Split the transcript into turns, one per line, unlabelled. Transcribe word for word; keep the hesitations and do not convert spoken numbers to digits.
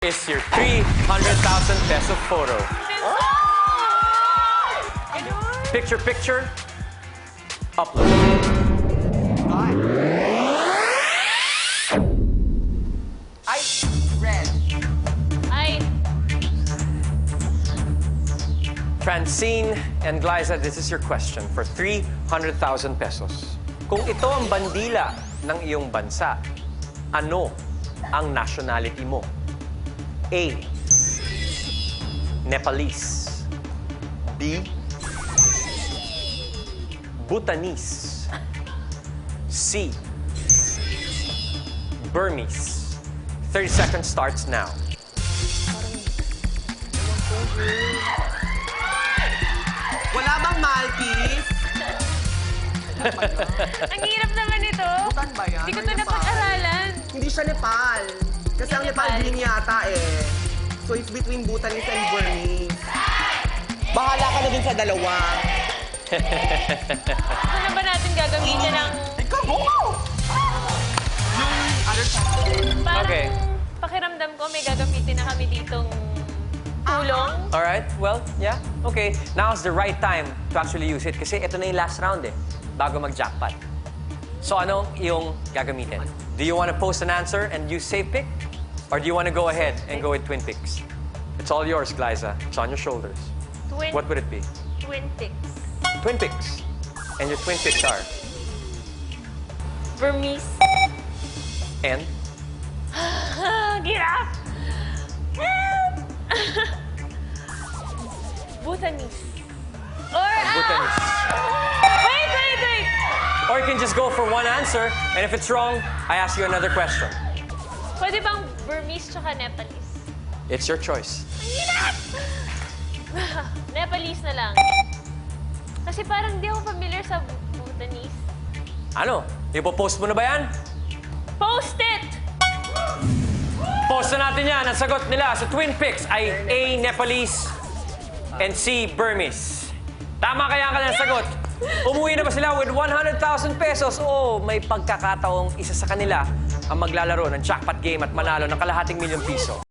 Is your three hundred thousand peso photo. Picture, picture. Upload.
Ay, red.
Ay,
Francine and Glyza, this is your question for three hundred thousand pesos. Kung ito ang bandila ng iyong bansa, ano ang nationality mo? A. Nepalese. B. Bhutanese. C. Burmese. thirty seconds starts now.
Wala bang Maltese?
ang hirap naman ito.
Bhutan ba yan?
Hindi ko
Or
ito
Nepal?
napag-aralan.
Hindi siya Nepal. Kasi ang Nepal
Nepal.
din yata eh. So it's between Bhutanese and Burmese. Bahala ka na dun sa dalawa.
Ano ba natin gagamitin ng...
Ikaw, go! Yung other side.
Parang
Okay.
pakiramdam ko may gagamitin na kami ditong tulong.
All right, well, yeah, okay. Now's the right time to actually use it kasi ito na yung last round eh, bago mag-jackpot. So anong iyong gagamitin? Do you want to post an answer and use Save Pick? Or do you want to go ahead and go with Twin Picks? It's all yours, Glyza. It's on your shoulders.
Twin,
What would it be?
twin picks.
Twin Picks. And your Twin Picks are?
Burmese.
And?
Giraffe. Help! Bhutanese. Or, ah!
Bhutanese.
Wait, wait, wait!
Or you can just go for one answer, and if it's wrong, I ask you another question.
Pwede bang Burmese tsaka Nepalese?
It's your choice.
Nepalese na lang. Kasi parang di ako familiar sa Bhutanese.
Ano? Ipopost mo na ba yan?
Post it!
Post na natin yan. Ang sagot nila sa Twin Picks ay A. Nepalese and C. Burmese. Tama kaya ang kanilang sagot? Umuwi na ba sila with one hundred thousand pesos o may pagkakataong isa sa kanila ang maglalaro ng jackpot game at manalo ng kalahating milyong piso?